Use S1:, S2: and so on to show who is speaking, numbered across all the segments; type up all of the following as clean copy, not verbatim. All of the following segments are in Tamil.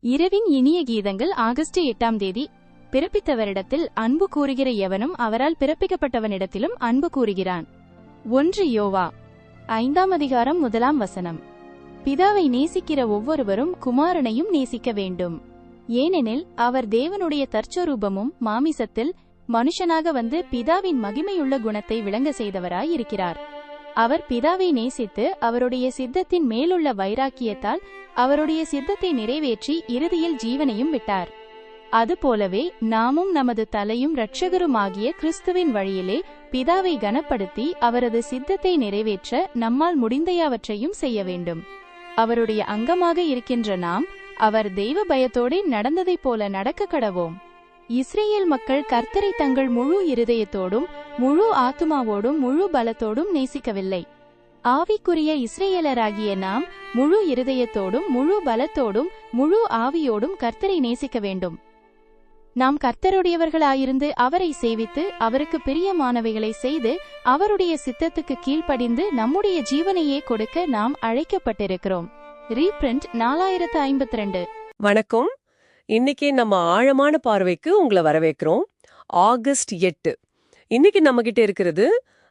S1: இரவின் இனிய கீதங்கள் ஆகஸ்ட் 8ஆம் தேதி. பிறப்பித்தவரிடத்தில் அன்பு கூறுகிற எவனும் அவரால் பிறப்பிக்கப்பட்டவனிடத்திலும் அன்பு கூறுகிறான். 1 யோவா 5ஆம் அதிகாரம் 1ஆம் வசனம். பிதாவை நேசிக்கிற ஒவ்வொருவரும் குமாரனையும் நேசிக்க வேண்டும். ஏனெனில் அவர் தேவனுடைய தற்சொரூபமும் மாமிசத்தில் மனுஷனாக வந்து பிதாவின் மகிமையுள்ள குணத்தை விளங்க செய்தவராய் இருக்கிறார். அவர் பிதாவை நேசித்து அவருடைய சித்தத்தின் மேலுள்ள வைராக்கியத்தால் அவருடைய சித்தத்தை நிறைவேற்றி இறுதியில் ஜீவனையும் விட்டார். அதுபோலவே நாமும் நமது தலையும் இரட்சகருமாகிய கிறிஸ்துவின் வழியிலே பிதாவை கனப்படுத்தி அவரது சித்தத்தை நிறைவேற்ற நம்மால் முடிந்தையாவற்றையும் செய்ய வேண்டும். அவருடைய அங்கமாக இருக்கின்ற நாம் அவர் தெய்வ பயத்தோடு நடந்ததைப் போல நடக்க கடவோம். இஸ்ரேல் மக்கள் கர்த்தரை தங்கள் முழு இருதயத்தோடும் முழு ஆத்துமாவோடும் முழு பலத்தோடும் நேசிக்கவில்லை. ஆவிக்குரிய இஸ்ரேலராகிய நாம் முழு இருதயத்தோடும் முழு பலத்தோடும் முழு ஆவியோடும் கர்த்தரை நேசிக்க வேண்டும். நாம் கர்த்தருடையவர்களாயிருந்து அவரை சேவித்து அவருக்கு பிரியமானவைகளை செய்து அவருடைய சித்தத்துக்கு கீழ்ப்படிந்து நம்முடைய ஜீவனையே கொடுக்க நாம் அழைக்கப்பட்டிருக்கிறோம். ரீபிரிண்ட் 4052.
S2: வணக்கம். இன்னைக்கு நம்ம ஆழமான பார்வைக்கு உங்களை வரவேற்கிறோம். ஆகஸ்ட் 8. இன்னைக்கு நம்ம கிட்ட இருக்கிறது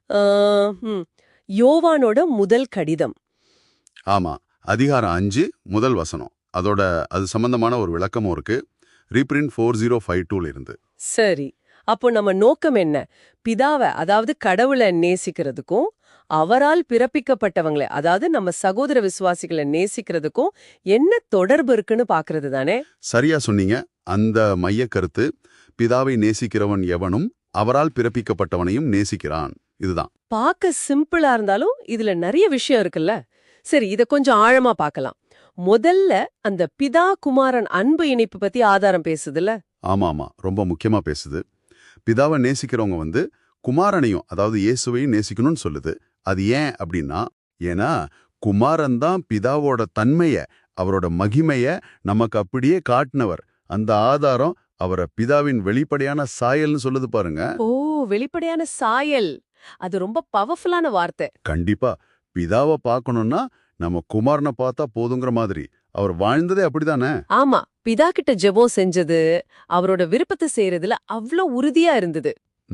S2: யோவானோட முதல் கடிதம்.
S3: ஆமா, அதிகாரம் 5 முதல் வசனம். அது சம்பந்தமான ஒரு விளக்கமும் இருக்கு. ரீபிரிண்ட் 4052 இருந்து.
S2: சரி, அப்போ நம்ம நோக்கம் என்ன? பிதாவை, அதாவது கடவுளை நேசிக்கிறதுக்கும் அவரால் பிறப்பிக்கப்பட்டவங்களை, அதாவது நம்ம சகோதர விசுவாசிகளை நேசிக்கிறதுக்கும் என்ன தொடர்பு இருக்குன்னு பாக்குறது தானே?
S3: சரியா சொன்னீங்க. அந்த மைய கருத்து, பிதாவை நேசிக்கிறவன் எவனும் அவரால் பிறப்பிக்கப்பட்டவனையும் நேசிக்கிறான். இதுதான்.
S2: பார்க்க சிம்பிளா இருந்தாலும் இதுல நிறைய விஷயம் இருக்குல்ல. சரி, இத கொஞ்சம் ஆழமா பார்க்கலாம். முதல்ல அந்த பிதா குமாரன் அன்பு இணைப்பு பத்தி ஆதாரம் பேசுதுல்ல.
S3: ஆமா, ரொம்ப முக்கியமா பேசுது. பிதாவை நேசிக்கிறவங்க குமாரனையும், அதாவது இயேசுவையும் நேசிக்கணும்னு சொல்லுது. அது ஏன் அப்படின்னா, ஏன்னா குமாரன் தான் பிதாவோட தன்மைய, அவரோட மகிமைய நமக்கு அப்படியே காட்டினவர். அந்த ஆதாரம் அவரை பிதாவின் வெளிப்படையான சாயல்னு சொல்லுது பாருங்க.
S2: ஓ, வெளிப்படையான சாயல், அது ரொம்ப பவர்ஃபுல்லான வார்த்தை.
S3: கண்டிப்பா. பிதாவை பார்க்கணும்னா நம்ம குமாரனை பார்த்தா போதுங்கிற மாதிரி. அவர் வாழ்ந்ததே அப்படிதானே?
S2: ஆமா, பிதா கிட்ட ஜெபம் செஞ்சது, அவரோட விருப்பத்தை செய்யறதுல அவ்ளோ உறுதியா இருந்தது.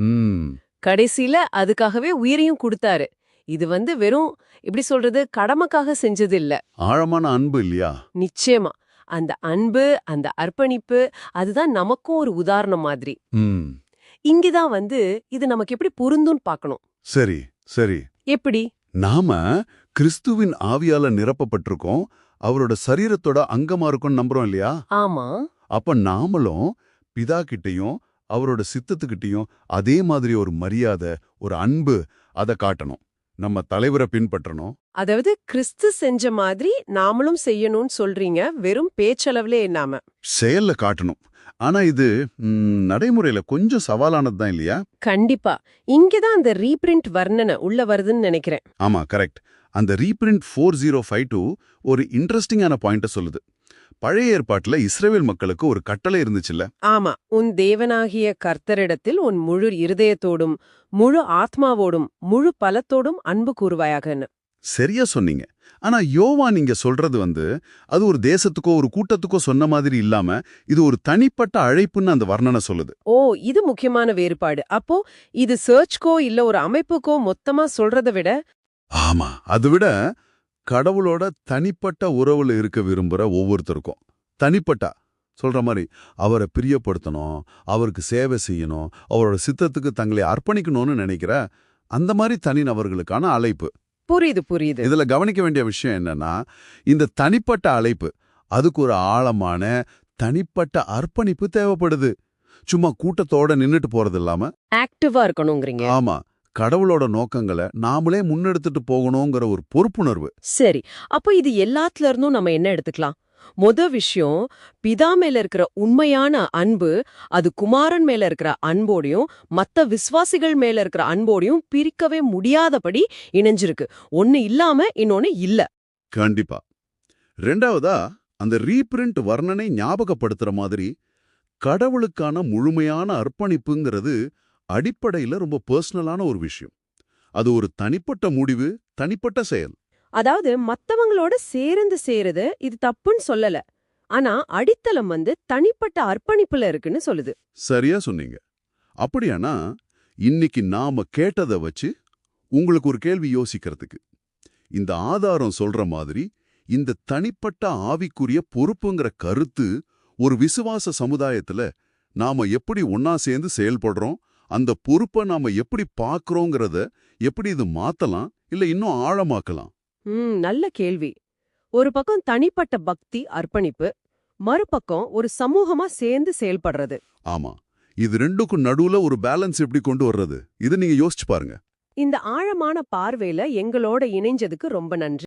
S2: கடைசியில அதுக்காகவே உயிரையும் கொடுத்தாரு. இது வெறும் இப்படி சொல்றது கடமைக்காக செஞ்சது இல்ல.
S3: ஆழமான அன்பு இல்லையா?
S2: நிச்சயமா. அந்த அன்பு, அந்த அர்ப்பணிப்பு, அதுதான் நமக்கும் ஒரு உதாரணம் மாதிரி. இங்கதான் இது நமக்கு எப்படி பொருந்தும்னு பார்க்கணும்.
S3: சரி.
S2: எப்படி?
S3: நாம கிறிஸ்துவின் ஆவியால நிரப்பப்பட்டிருக்கோம், அவரோட சரீரத்தோட அங்கமா இருக்கும் நம்புறோம் இல்லையா?
S2: ஆமா.
S3: அப்ப நாமளும் பிதா கிட்டையும் அவரோட சித்தத்துக்கிட்டையும் அதே மாதிரி ஒரு மரியாதை, ஒரு அன்பு, அதை காட்டணும். நம்ம தலைவரை பின்பற்றணும்.
S2: அதாவது கிறிஸ்து செஞ்ச மாதிரி நாமளும் செய்யணும்னு சொல்றீங்க. வெறும் பேச்சளவுல இல்லாம
S3: செயல்ல காட்டணும். ஆனா இது நடைமுறையில கொஞ்சம் சவாலானதுதான் இல்லையா?
S2: கண்டிப்பா. இங்கதான் அந்த ரீபிரிண்ட் வர்ணனை உள்ள வருதுன்னு நினைக்கிறேன்.
S3: ஆமா, கரெக்ட். அந்த ரீபிரிண்ட் 4052 ஒரு இன்ட்ரெஸ்டிங்கான பாயிண்ட சொல்லுது. பழைய ஏற்பாட்டுல இஸ்ரவேல் மக்களுக்கு ஒரு கட்டளை இருந்துச்சுல்ல.
S2: ஆமா, உன் தேவனாகிய கர்த்தரிடத்தில் உன் முழு இருதயத்தோடும் முழு ஆத்மாவோடும் முழு பலத்தோடும் அன்பு கூறுவாயாகன்னு.
S3: சரியா சொன்னீங்க. ஆனா யோவான் நீங்க சொல்றது அது ஒரு தேசத்துக்கோ ஒரு கூட்டத்துக்கோ சொன்ன மாதிரி இல்லாம இது ஒரு தனிப்பட்ட அழைப்புன்னு அந்த வர்ணனை சொல்லுது.
S2: ஓ, இது முக்கியமான வேறுபாடு. அப்போ இது சர்ச்கோ இல்ல ஒரு அமைப்புக்கோ மொத்தமா சொல்றதை விட,
S3: ஆமா, அதை விட கடவுளோட தனிப்பட்ட உறவுல இருக்க விரும்புற ஒவ்வொருத்தருக்கும் தனிப்பட்டா சொல்ற மாதிரி அவரை பிரியப்படுத்தணும், அவருக்கு சேவை செய்யணும், அவரோட சித்தத்துக்கு தங்களை அர்ப்பணிக்கணும்னு நினைக்கிற அந்த மாதிரி தனிநபர்களுக்கான அழைப்பு.
S2: புரியுது.
S3: இதுல கவனிக்க வேண்டிய விஷயம் என்னன்னா, இந்த தனிப்பட்ட அழைப்பு அதுக்கு ஒரு ஆழமான தனிப்பட்ட அர்ப்பணிப்பு தேவைப்படுது. சும்மா கூட்டத்தோட நின்னுட்டு போறது இல்லாம
S2: ஆக்டிவா இருக்கணும்ங்கறீங்க.
S3: ஆமா, கடவுளோட நோக்கங்களை நாமளே முன்னெடுத்துட்டு போகணுங்கிற ஒரு பொறுப்புணர்வு.
S2: சரி, அப்போ இது எல்லாத்துல இருந்தும் நம்ம என்ன எடுத்துக்கலாம்? விஷயம், பிதா மேல இருக்கிற உண்மையான அன்பு அது குமாரன் மேல இருக்கிற அன்போடையும் மத்த விசுவாசிகள் மேல இருக்கிற அன்போடையும் பிரிக்கவே முடியாதபடி இணைஞ்சிருக்கு. ஒன்னு இல்லாம இன்னொன்னு இல்ல.
S3: கண்டிப்பா. ரெண்டாவதா, அந்த ரீபிரிண்ட் வர்ணனை ஞாபகப்படுத்துற மாதிரி கடவுளுக்கான முழுமையான அர்ப்பணிப்புங்கிறது அடிப்படையில ரொம்ப பர்சனலான ஒரு விஷயம். அது ஒரு தனிப்பட்ட முடிவு, தனிப்பட்ட செயல்.
S2: அதாவது மத்தவங்களோட சேர்ந்து சேருது, இது தப்புன்னு சொல்லல. ஆனா அடித்தளம் தனிப்பட்ட அர்ப்பணிப்புல இருக்குன்னு சொல்லுது.
S3: சரியா சொன்னீங்க. அப்படியானா இன்னைக்கு நாம கேட்டதை வச்சு உங்களுக்கு ஒரு கேள்வி யோசிக்கிறதுக்கு, இந்த ஆதாரம் சொல்ற மாதிரி இந்த தனிப்பட்ட ஆவிக்குரிய பொறுப்புங்கிற கருத்து ஒரு விசுவாச சமுதாயத்துல நாம எப்படி ஒன்னா சேர்ந்து செயல்படுறோம், அந்த பொறுப்பை நாம எப்படி பார்க்கறோங்கிறத எப்படி இது மாத்தலாம் இல்ல இன்னும் ஆழமாக்கலாம்?
S2: நல்ல கேள்வி. ஒரு பக்கம் தனிப்பட்ட பக்தி, அர்ப்பணிப்பு, மறுபக்கம் ஒரு சமூகமா சேர்ந்து செயல்படுறது.
S3: ஆமா, இது ரெண்டுக்கும் நடுவுல ஒரு பேலன்ஸ் எப்படி கொண்டு வர்றது, இதை நீங்க யோசிச்சு பாருங்க.
S2: இந்த ஆழமான பார்வையில எங்களோட இணைஞ்சதுக்கு ரொம்ப நன்றி.